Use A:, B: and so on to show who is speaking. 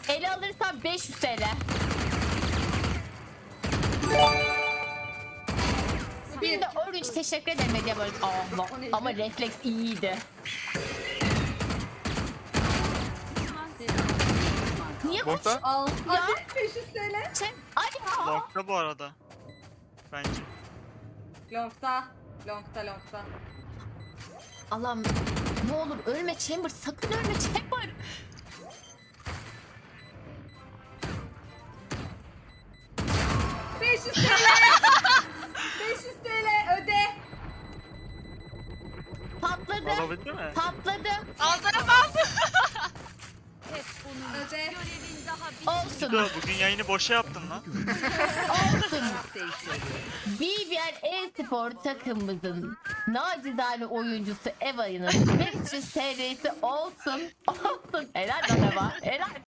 A: Ele alırsam 500 TL. Bir de Orange teşekkür ederim Medya böyle. Allah. Ama refleks iyiydi. Niye koş?
B: Long'da.
C: Al.
A: Ya.
C: Hadi 500 TL.
A: Hadi ya.
D: Long'da bu arada. Bence.
C: Long'da. Long'da.
A: Allah'ım ne olur ölme Chamber, sakın ölme Chamber.
C: $500 TL. 500 TL öde.
A: Patladı.
D: Alabildi mi?
A: Patladı.
C: Öde.
A: Olsun.
D: Bugün yayını boşa yaptın lan.
A: Olsun. BBL e-spor takımımızın nacizane oyuncusu Eva'nın 500 TL'si olsun. Olsun. Helal lan Eva. Helal.